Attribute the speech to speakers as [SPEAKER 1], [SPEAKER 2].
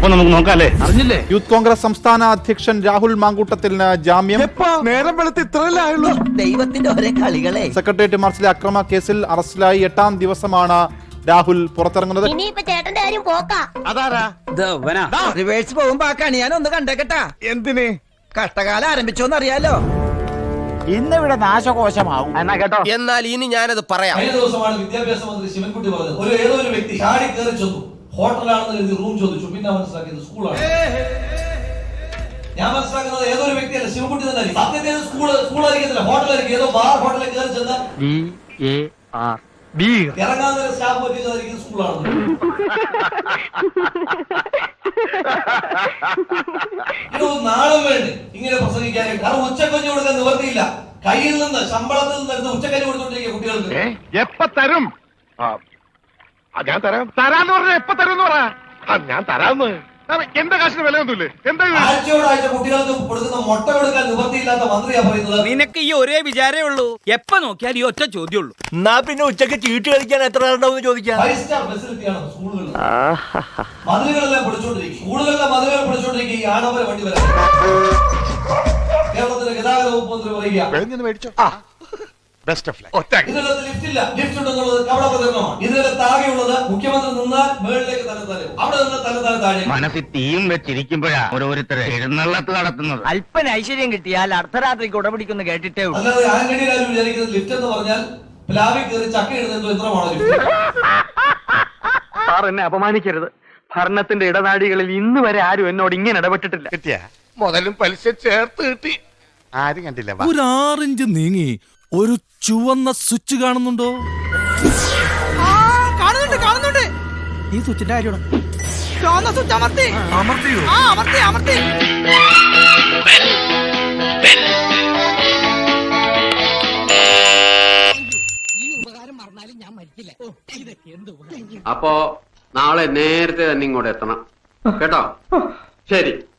[SPEAKER 1] അപ്പൊ നമുക്ക് നോക്കാല്ലേ? അറിഞ്ഞില്ലേ?
[SPEAKER 2] യൂത്ത് കോൺഗ്രസ് സംസ്ഥാന അധ്യക്ഷൻ രാഹുൽ മാങ്കൂട്ടത്തിന് ജാമ്യം.
[SPEAKER 3] നേരം വെളുത്ത് ഇത്രയല്ലേ ആയുള്ളൂ.
[SPEAKER 4] ദൈവത്തിന്റെ ഒരേ കളികളെ.
[SPEAKER 2] സെക്രട്ടേറിയറ്റ് മാർച്ചിലെ അക്രമ കേസിൽ അറസ്റ്റിലായി 8ാം ദിവസമാണ് രാഹുൽ പുറത്തിറങ്ങുന്നത്.
[SPEAKER 5] ചേട്ടന്റെ കാര്യം പോക്കാ.
[SPEAKER 3] അതാരാ?
[SPEAKER 4] റിവേഴ്സ് പോകുമ്പോ ആ കണി ഞാൻ ഒന്ന് കണ്ടേക്കട്ടാ.
[SPEAKER 3] എന്തിന്?
[SPEAKER 4] കഷ്ടകാലം ആരംഭിച്ചോന്ന് അറിയാലോ.
[SPEAKER 6] ഇന്നിവിടെ നാശകോശമാവും.
[SPEAKER 1] എന്നാ കേട്ടോ.
[SPEAKER 7] എന്നാൽ ഇനി ഞാനത് പറയാം.
[SPEAKER 8] കഴിഞ്ഞ ദിവസമാണ് വിദ്യാഭ്യാസ മന്ത്രി ശിവൻകുട്ടി പറഞ്ഞത്, ഏതോ ഒരു വ്യക്തി ചാടി കയറി ചെന്നു, ഹോട്ടലാണെന്ന് കരുതി റൂം ചോദിച്ചു, പിന്നെ മനസ്സിലാക്കിയത് സ്കൂളാണ്. ഞാൻ മനസ്സിലാക്കുന്നത് ഏതോ ഒരു വ്യക്തിയല്ല, ശിവൻകുട്ടി തന്നെ. സത്യത്തിൽ സ്കൂളായിരിക്കത്തില്ല, ഹോട്ടലായിരിക്കും. ഏതോ ബാർ ഹോട്ടലിൽ കയറി ചെന്ന് ഇറങ്ങാൻ നേരം സ്റ്റാഫ് പറ്റിയതായിരിക്കും സ്കൂളാണ്. നാളും വേണ്ടി ഇങ്ങനെ പ്രസംഗിക്കാനും. കാരണം ഉച്ചക്കഞ്ഞി കൊടുക്കാൻ നിവർത്തിയില്ല. കയ്യിൽ നിന്ന് ശമ്പളത്തിൽ നിന്ന് ഉച്ചക്കഞ്ഞി കൊടുത്തോണ്ടിരിക്കുക കുട്ടികൾക്ക്.
[SPEAKER 3] എപ്പ തരും? ഞാൻ തരാം. തരാന്ന് പറഞ്ഞ എപ്പ തരും? ഞാൻ തരാന്ന്. എന്റെ കാശിന് വിലയൊന്നുമില്ലേ? എന്താ
[SPEAKER 8] ആഴ്ചയോടാഴ്ച കുട്ടികൾക്ക് കൊടുക്കുന്ന മുട്ട കൊടുക്കാൻ നിവർത്തിയില്ലാത്ത മന്ത്രിയാ പറയുന്നത്.
[SPEAKER 7] നിനക്ക് ഈ ഒരേ വിചാരേ ഉള്ളൂ. എപ്പ നോക്കിയാൽ ഈ ഒറ്റ ചോദ്യമുള്ളൂ.
[SPEAKER 6] എന്നാ പിന്നെ ഉച്ചക്ക് ചീട്ട് കളിക്കാൻ എത്ര ഉണ്ടാവും ചോദിക്കാം.
[SPEAKER 8] 5 സ്റ്റാർ ഫെസിലിറ്റിയാണ് സ്കൂളുകളിൽ. മതിലുകളെല്ലാം പൊളിച്ചോണ്ടിരിക്കും. സ്കൂളുകളിലെ മതിലുകൾ പൊളിച്ചോണ്ടിരിക്കും. ഈ ആഡംബര വണ്ടി വരാൻ കേരളത്തിലെ ഗതാഗത വകുപ്പ് മന്ത്രി പറയുക ഇതിനകത്ത് ലിഫ്റ്റ് ഇല്ല. ലിഫ്റ്റ് ഉണ്ടെന്നുള്ളത് കവട പ്രചരണമാണ്. ഇതിനകത്ത് താഴെയുള്ളത് മുഖ്യമന്ത്രി നിന്നാൽ മുകളിലേക്ക് തന്നെ അവിടെ നിന്ന് തന്നെ താഴെ.
[SPEAKER 1] മനസ്സിൽ തീയും വെച്ചിരിക്കുമ്പോഴാ ഓരോരുത്തരെ എഴുന്നള്ളത്ത് നടത്തുന്നത്.
[SPEAKER 6] അല്പന ഐശ്വര്യം കിട്ടിയാൽ അർദ്ധരാത്രിക്ക് ഉടപിടിക്കുന്നു കേട്ടിട്ടേ ഉള്ളൂ.
[SPEAKER 8] അല്ലാതെ ആംഗണിയിലാരും വിചാരിക്കുന്നത് ലിഫ്റ്റ് എന്ന് പറഞ്ഞാൽ പ്ലാവിൽ കയറി ചക്ക ഇടുന്ന യന്ത്രമാണോ ലിഫ്റ്റ്?
[SPEAKER 9] സാർ എന്നെ അപമാനിക്കരുത്. ഭരണത്തിന്റെ ഇടനാഴികളിൽ ഇന്ന് വരെ ആരും എന്നോട് ഇങ്ങനെ ഇടപെട്ടിട്ടില്ല.
[SPEAKER 3] കിട്ടിയ മുതലും പലിശ ചേർത്ത് കിട്ടി. ആരും കണ്ടില്ല.
[SPEAKER 10] ഒരു 6 ഇഞ്ച് നീങ്ങി ഒരു ചുവന്ന സ്വിച്ച് കാണുന്നുണ്ടോ?
[SPEAKER 4] കാണുന്നുണ്ട്.
[SPEAKER 10] ഈ സ്വിച്ചിന്റെ കാര്യമാണ്.
[SPEAKER 4] ചുവന്ന സ്വിച്ച് അമർത്തി.
[SPEAKER 10] അമർത്തിയോ?
[SPEAKER 4] അമർത്തി.
[SPEAKER 11] അപ്പോ നാളെ നേരത്തെ തന്നെ ഇങ്ങോട്ട് എത്തണം കേട്ടോ. ശരി.